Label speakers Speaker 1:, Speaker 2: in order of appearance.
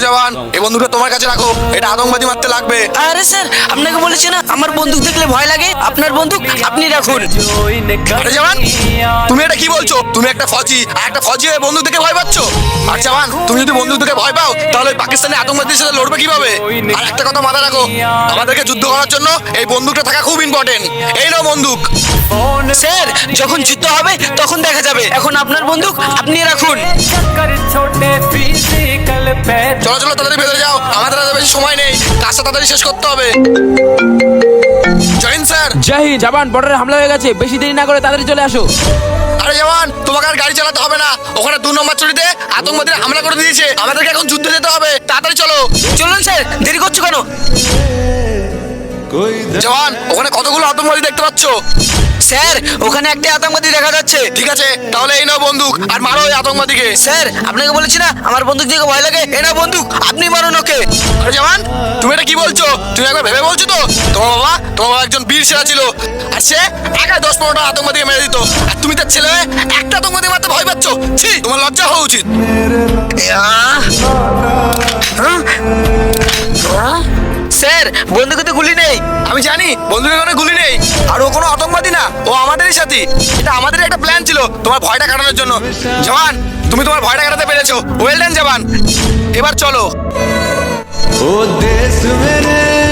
Speaker 1: জওয়ান, এই বন্দুকটা তোমার কাছে রাখো, এটা আতঙ্কবাদী মারতে লাগবে।
Speaker 2: আরে স্যার, আপনাকে বলেছি না আমার বন্দুক দেখলে ভয় লাগে। আপনার বন্দুক আপনি রাখুন।
Speaker 1: আরে জওয়ান, তুমি এটা কি বলছো? তুমি একটা ফৌজি, আর একটা ফৌজি হয়ে বন্দুক দেখে ভয় পাচ্ছ? আর জওয়ান, তুমি যদি বন্দুক দেখে ভয় পাও তাহলে ওই পাকিস্তানি আতঙ্কবাদীর সাথে লড়বে কিভাবে? আর একটা কথা মাথায় রাখো, আমাদেরকে যুদ্ধ করার জন্য এই বন্দুকটা থাকা খুব ইম্পর্টেন্ট। এই নাও বন্দুক।
Speaker 2: স্যার, যখন যুদ্ধ হবে তখন দেখা যাবে। এখন আপনার বন্দুক আপনি রাখুন।
Speaker 1: চলো চলো, তাড়াতাড়ি ভেতরে যাও, আমাদের আর বেশি সময় নেই, কাজটা তাড়াতাড়ি শেষ করতে হবে। Join sir.
Speaker 3: জয় হিন্দ। জওয়ান, বর্ডারে হামলা হয়ে গেছে, বেশি দেরি না করে তাড়াতাড়ি চলে আসো।
Speaker 1: আরে জওয়ান, তোমাকে আর গাড়ি চালাতে হবে না, ওখানে 2 নম্বর চুরিতে আতঙ্কবাদীরা হামলা করে দিয়েছে, আমাদেরকে এখন যুদ্ধে যেতে হবে, তাড়াতাড়ি চলো।
Speaker 2: চলুন স্যার, দেরি করছো কেন?
Speaker 1: জওয়ান, ওখানে কতগুলো আতঙ্কবাদী দেখতে পাচ্ছ?
Speaker 2: স্যার, ওখানে একটা আতঙ্কবাদী দেখা যাচ্ছে।
Speaker 1: ঠিক আছে, তাহলে এই নাও বন্দুক আর মারো ওই আতঙ্কবাদীকে।
Speaker 2: স্যার, আপনাকে বলেছি না আমার বন্দুক দেখে ভয় লাগে। এ না বন্দুক, আপনি মারুন ওকে।
Speaker 1: আরে জওয়ান, তুমি এটা কি বলছো? তুমি একবার ভেবে বলছো তো? তোমার বাবা একজন বীর সেনা ছিল, আর সে একা 10-15টা আতঙ্কবাদীকে মেরে দিত, আর তুমি তার ছেলে হয়ে একটা আতঙ্কবাদী মারতে ভয় পাচ্ছ? ছি, তোমার লজ্জা হওয়া উচিত।
Speaker 2: স্যার, বন্দুকে তো গুলি নেই।
Speaker 1: আমি জানি বন্দুকের কোনো গুলি নেই, আর ও কোনো আতঙ্কবাদী না, ও আমাদেরই সাথী। এটা আমাদেরই একটা প্ল্যান ছিল তোমার ভয়টা কাটানোর জন্য। জওয়ান, তুমি তোমার ভয়টা কাটাতে পেরেছো, ওয়েল ডান জওয়ান। এবার চলো।
Speaker 4: ओ देश मेरे